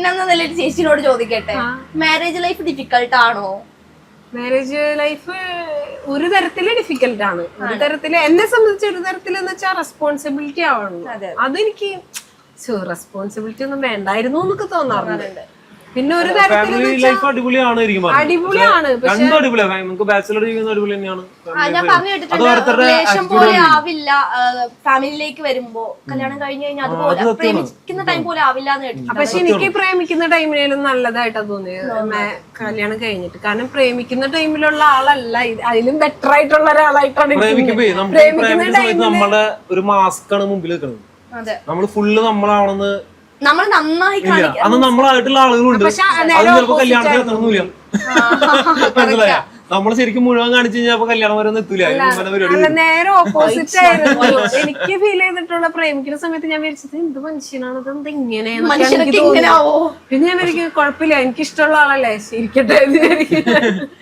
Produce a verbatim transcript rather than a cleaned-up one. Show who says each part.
Speaker 1: പെണ്ണെന്ന നിലയിൽ ചേച്ചിനോട് ചോദിക്കട്ടെ, മാരേജ് ലൈഫ് ഡിഫിക്കൽട്ട് ആണോ?
Speaker 2: മാരേജ് ലൈഫ് ഒരു തരത്തില് ഡിഫിക്കൽട്ട് ആണ്. ഒരു തരത്തില് എന്നെ സംബന്ധിച്ച് ഒരു തരത്തില് എന്ന് വെച്ചാൽ റെസ്പോൺസിബിലിറ്റി ആവണം. അതെനിക്ക് റെസ്പോൺസിബിലിറ്റി ഒന്നും വേണ്ടായിരുന്നു എന്നൊക്കെ തോന്നാറുണ്ട്. പിന്നെ ഒരു തരത്തില്
Speaker 3: അടിപൊളിയാണ്,
Speaker 2: അടിപൊളിയാണ്.
Speaker 3: ബാച്ചിലർ ജീവിക്കുന്ന അടിപൊളി തന്നെയാണ്.
Speaker 1: ഞാൻ പറഞ്ഞു കേട്ടിട്ടുണ്ട് റിലേഷൻ പോലെ ആവില്ല ഫാമിലിയിലേക്ക് വരുമ്പോ, കല്യാണം കഴിഞ്ഞു കഴിഞ്ഞാൽ അതുപോലെ പ്രേമിക്കുന്ന ടൈം പോലെ ആവില്ല എന്ന് കേട്ടിട്ടുണ്ട്.
Speaker 2: പക്ഷെ എനിക്ക് പ്രേമിക്കുന്ന ടൈമിലും നല്ലതായിട്ടാ തോന്നിയത് കല്യാണം കഴിഞ്ഞിട്ട്. കാരണം പ്രേമിക്കുന്ന ടൈമിലുള്ള ആളല്ല, അതിലും ബെറ്റർ ആയിട്ടുള്ള ഒരാളായിട്ടാണ് പ്രേമിക്കുന്ന ടൈമിൽ.
Speaker 3: നമ്മുടെ ഒരു മാസ്ക് ആണ് മുമ്പിൽ നിൽക്കുന്നത്, നമ്മള് ഫുള്ള് നമ്മളാണെന്ന്
Speaker 1: നമ്മൾ നന്നായി
Speaker 3: അന്ന് നമ്മളായിട്ടുള്ള ആളുകളുണ്ട്. അത് ചിലപ്പോ കല്യാണത്തിന് എത്തണമെന്നില്ല, മനസ്സിലായ? നമ്മള് ശരിക്കും മുഴുവൻ കാണിച്ചു കഴിഞ്ഞാൽ കല്യാണം വരെ എത്തൂല.
Speaker 2: അല്ല, നേരെ ഓപ്പോസിറ്റ് ആയിരുന്നു എനിക്ക് ഫീൽ ചെയ്തിട്ടുള്ള. പ്രേമിക്കുന്ന സമയത്ത് ഞാൻ വിചാരിച്ചത് എന്ത് മനുഷ്യനാണ്, ഇതെന്ത് ഇങ്ങനെയാണെന്ന്. പിന്നെ ഞാൻ വിചാരിക്കും കുഴപ്പമില്ല, എനിക്ക് ഇഷ്ടമുള്ള ആളല്ലേ, ഇരിക്കട്ടെ.